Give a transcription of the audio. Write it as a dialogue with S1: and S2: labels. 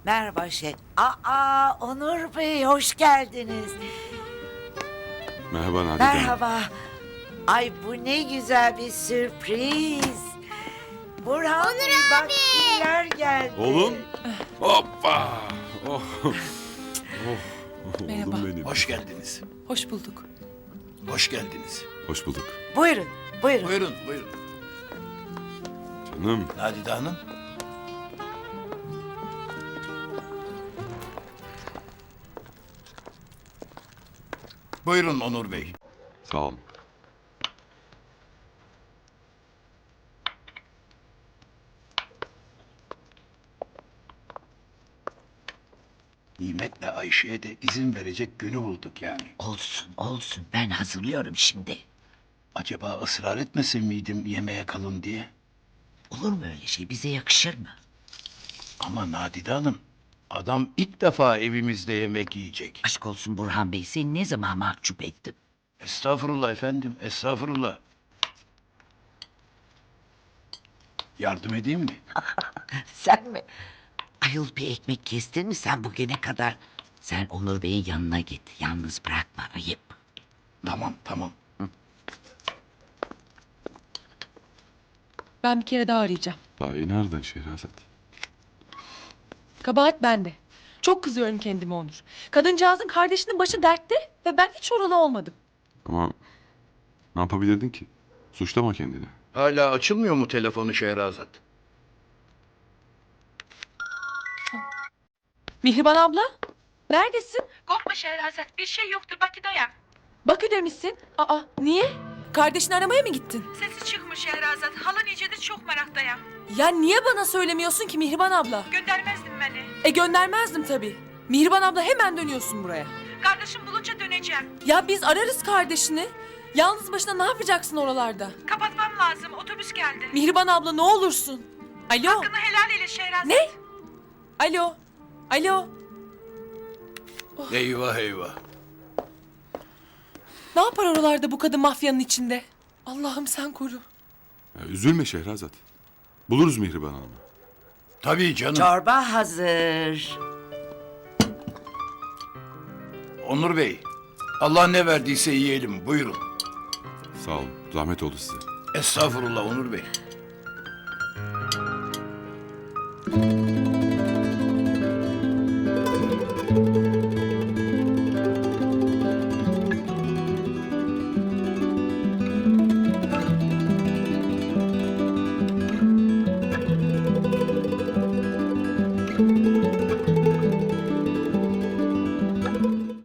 S1: Merhaba Onur Bey hoş geldiniz.
S2: Merhaba Nadide Hanım.
S1: Merhaba. Ay bu ne güzel bir sürpriz. Burhan Bey bak kimler geldi.
S2: Oğlum. Hoppa. Oh. Oh.
S3: Merhaba.
S2: Oğlum benim.
S4: Hoş geldiniz.
S3: Hoş bulduk.
S4: Hoş geldiniz.
S2: Hoş bulduk.
S1: Buyurun, buyurun.
S4: Buyurun, buyurun.
S2: Canım.
S4: Nadide Hanım. Buyurun Onur Bey.
S2: Sağ olun.
S4: Nimet'le Ayşe'ye de izin verecek günü bulduk yani.
S1: Olsun, olsun. Ben hazırlıyorum şimdi.
S4: Acaba ısrar etmesin miydim yemeğe kalın diye?
S1: Olur mu öyle şey? Bize yakışır mı?
S4: Ama Nadide Hanım, adam ilk defa evimizde yemek yiyecek.
S1: Aşk olsun Burhan Bey. Seni ne zaman mahcup ettim?
S4: Estağfurullah efendim, estağfurullah. Yardım edeyim mi?
S1: Sen mi? Ayol bir ekmek kestin mi sen bugüne kadar? Sen Onur Bey'in yanına git. Yalnız bırakma. Ayıp.
S4: Tamam, tamam.
S3: Ben bir kere daha arayacağım.
S2: Daha iyi nereden Şehrazat?
S3: Kabahat bende. Çok kızıyorum kendime Onur. Kadıncağızın kardeşinin başı dertte ve ben hiç oralı olmadım.
S2: Ama ne yapabilirdin ki? Suçlama kendini.
S4: Hala açılmıyor mu telefonu Şehrazat?
S3: Mihriban abla, neredesin?
S5: Korkma Şehrazat, bir şey yoktur, Bakü'deyim.
S3: Bakü'de misin? Aa, niye? Kardeşini aramaya mı gittin?
S5: Sesi çıkmış Şehrazat, halan iyicedir çok meraktayım.
S3: Ya niye bana söylemiyorsun ki Mihriban abla?
S5: Göndermezdin beni.
S3: Göndermezdim tabii. Mihriban abla hemen dönüyorsun buraya.
S5: Kardeşim bulunca döneceğim.
S3: Ya biz ararız kardeşini. Yalnız başına ne yapacaksın oralarda?
S5: Kapatmam lazım, otobüs geldi.
S3: Mihriban abla ne olursun. Alo.
S5: Hakkını helal eyle Şehrazat.
S3: Ne? Alo. Alo.
S4: Eyvah eyvah.
S3: Ne yapar oralarda bu kadın mafyanın içinde? Allah'ım sen koru.
S2: Ya, üzülme Şehrazat. Buluruz Mihriban Hanım'ı.
S4: Tabii canım.
S1: Çorba hazır.
S4: Onur Bey, Allah ne verdiyse yiyelim. Buyurun.
S2: Sağ olun. Zahmet oldu size.
S4: Estağfurullah Onur Bey.